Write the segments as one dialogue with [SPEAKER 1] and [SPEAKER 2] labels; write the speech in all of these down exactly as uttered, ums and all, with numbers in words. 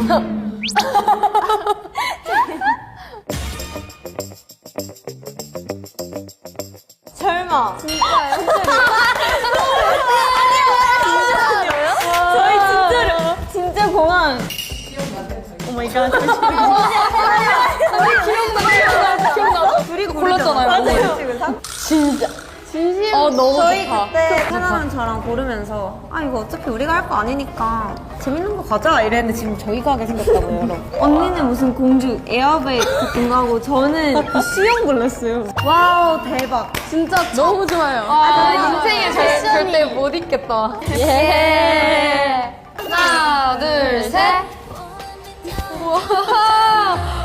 [SPEAKER 1] 설마.
[SPEAKER 2] 진짜요?
[SPEAKER 1] 저희 진짜로. 진짜 공항. 오 마이 갓. 기억나, 기억나. 둘이 골랐잖아요. 맞아요. 진짜.
[SPEAKER 2] 진심.
[SPEAKER 1] 어, 너무
[SPEAKER 3] 저희
[SPEAKER 1] 좋다.
[SPEAKER 3] 그때 태나랑 저랑 고르면서 아 이거 어차피 우리가 할 거 아니니까 재밌는 거 가자 이랬는데 지금 저희가 하게 생겼다고요 여러분.
[SPEAKER 1] 언니는 무슨 공주 에어백 같은 거 하고 저는 그 수영 골랐어요.
[SPEAKER 3] 와우 대박.
[SPEAKER 2] 진짜
[SPEAKER 1] 너무 좋아요.
[SPEAKER 2] 아, 인생의 패션이.
[SPEAKER 1] 절대 못 입겠다.
[SPEAKER 2] 예. 하나, 둘, 셋. 우와.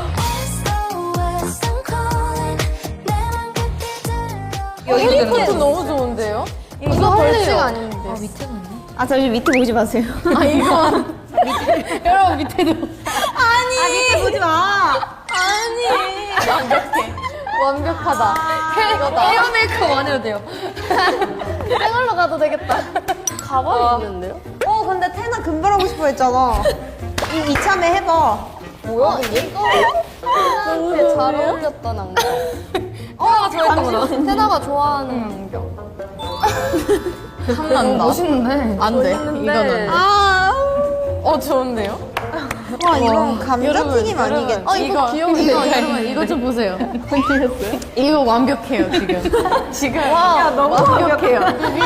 [SPEAKER 1] 여기 포트 너무 좋은데요?
[SPEAKER 2] 이거 벌칙 아닌데.
[SPEAKER 3] 아 잠시 밑에 보지 마세요.
[SPEAKER 1] 아 이거 밑에 여러분 밑에도
[SPEAKER 3] 아니 아, 밑에 보지 마.
[SPEAKER 1] 아니 완벽해.
[SPEAKER 2] 완벽하다.
[SPEAKER 1] 헤어 메이크업 안 해도 돼요.
[SPEAKER 2] 생얼로 가도 되겠다. 가발이 있는데요?
[SPEAKER 3] 어 근데 태나 금발 하고 싶어 했잖아. 이 이참에 해봐.
[SPEAKER 2] 뭐야 이거? 태나한테 잘 어울렸던 안경.
[SPEAKER 1] 어 좋아했던 거다.
[SPEAKER 2] 태나가 좋아하는 안경.
[SPEAKER 1] 탐난다.
[SPEAKER 2] 멋있는데.
[SPEAKER 1] 안 돼. 이거는.
[SPEAKER 3] 아.
[SPEAKER 1] 어 좋은데요?
[SPEAKER 3] 와 이건 감자튀김
[SPEAKER 1] 여러분,
[SPEAKER 3] 아니겠지?
[SPEAKER 2] 어, 이거 귀여운데?
[SPEAKER 1] 이거 여러분 이거 좀 보세요. 이거 완벽해요 지금. 지금
[SPEAKER 3] 야 너무
[SPEAKER 1] 완벽해요.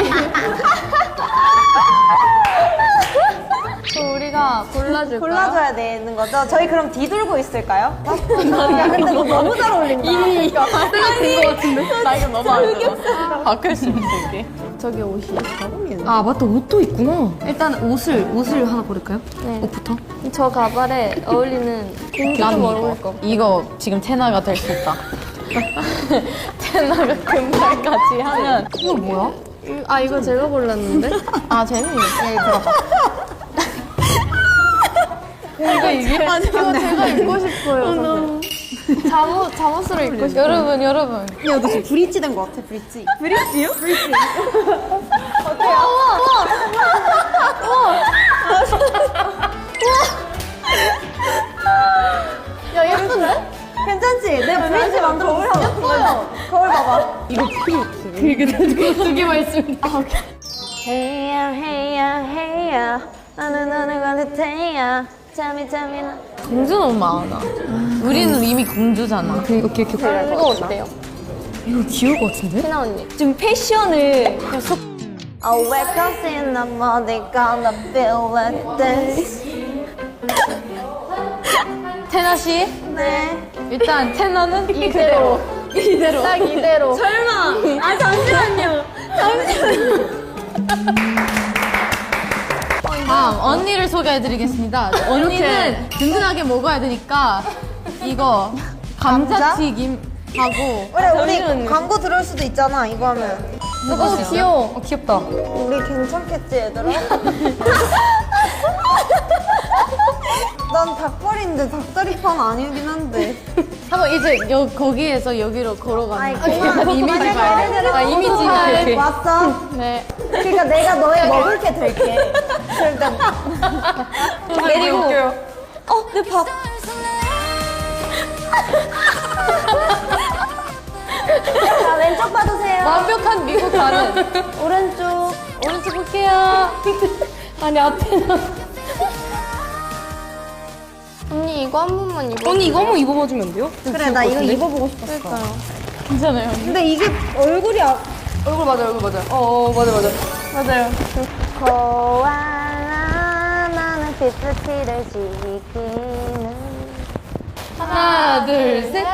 [SPEAKER 2] 또 우리가 골라줄까요?
[SPEAKER 3] 골라줘야 되는 거죠? 저희 그럼 뒤돌고 있을까요? 야 근데 너 너무 잘 어울린다.
[SPEAKER 1] 이미 때가 된거 같은데? 나 이거 너무 안 좋아. 바꿀 수 있어 이게.
[SPEAKER 2] 저기 옷이.
[SPEAKER 1] 아 맞다 옷도 있구나. 일단 옷을 옷을 하나 고를까요?
[SPEAKER 2] 네.
[SPEAKER 1] 옷부터.
[SPEAKER 2] 저 가발에 어울리는 공주
[SPEAKER 1] 난
[SPEAKER 2] 좀
[SPEAKER 1] 이거.
[SPEAKER 2] 어울릴 거.
[SPEAKER 1] 이거 지금 테나가 될 수 있다. 테나가 금발같이 하면 이거 뭐야?
[SPEAKER 2] 이- 아 이거 제가 골랐는데?
[SPEAKER 1] 아 재민이 예 들어봐. 이거 이게
[SPEAKER 2] 이거 제가 입고 싶어요. 저는. 잠옷 잠옷으로 입고 싶어요.
[SPEAKER 1] 여러분 여러분
[SPEAKER 3] 야 너 지금 브릿지 된 거 같아 브릿지. 브릿지요? 브릿지.
[SPEAKER 2] 야 예쁜데?
[SPEAKER 3] 괜찮지? 내가 브릿지 만들어 올려놨어. 거울 봐봐.
[SPEAKER 1] 이거 필요 없어. 이게 두 개만 있으면
[SPEAKER 3] 헤이야 헤이야 헤이야 나는 너는 관듯해야 잠이 잠이 나.
[SPEAKER 1] 공주 너무 많아. 우리는 이미 공주잖아. 오케이 오케이 오케이.
[SPEAKER 2] 이거 어때요?
[SPEAKER 1] 이거 귀여울 것 같은데?
[SPEAKER 2] 희나 언니.
[SPEAKER 3] 좀 패션을 계속 I wake up in the morning gonna feel like this.
[SPEAKER 1] 테나 씨
[SPEAKER 3] 네.
[SPEAKER 1] 일단 테나는
[SPEAKER 2] 이대로.
[SPEAKER 1] 이대로.
[SPEAKER 2] 딱 이대로.
[SPEAKER 3] 설마. 아 잠시만요.
[SPEAKER 1] 다음 언니를 소개해드리겠습니다. 언니는 든든하게 먹어야 되니까 이거 감자튀김 하고
[SPEAKER 3] 그래 우리 광고 들을 수도 있잖아 이거 하면.
[SPEAKER 1] 너무 귀여워. 어, 귀엽다.
[SPEAKER 3] 우리 괜찮겠지 얘들아? 난 닭발인데 닭다리판 아니긴 한데.
[SPEAKER 1] 한번 이제 여, 거기에서 여기로 걸어가는
[SPEAKER 3] 아이,
[SPEAKER 1] 거.
[SPEAKER 3] 그만.
[SPEAKER 1] 이미지
[SPEAKER 3] 그만.
[SPEAKER 1] 봐야 아 이미지
[SPEAKER 3] 아,
[SPEAKER 1] 이렇게.
[SPEAKER 3] 왔어?
[SPEAKER 1] 네.
[SPEAKER 3] 그러니까 내가 너의 먹을 게 될게. 그러니까
[SPEAKER 1] 그리고
[SPEAKER 3] 어, 내 밥. 자, 왼쪽 봐주세요.
[SPEAKER 1] 완벽한 미국 가는.
[SPEAKER 3] 오른쪽.
[SPEAKER 1] 오른쪽 볼게요. 아니 앞에는.
[SPEAKER 2] 언니 이거 한 번만 입어.
[SPEAKER 1] 언니 이거 한번 입어봐주면 안 돼요?
[SPEAKER 3] 그래, 나 이거 입어보고 싶었어.
[SPEAKER 2] 그러니까요.
[SPEAKER 1] 괜찮아요.
[SPEAKER 3] 근데 이게 얼굴이 아...
[SPEAKER 1] 얼굴 맞아 얼굴 맞아. 어, 어 맞아 맞아.
[SPEAKER 3] 맞아요. 고아라 나는 피프티를 지키는
[SPEAKER 1] 하나 둘 셋.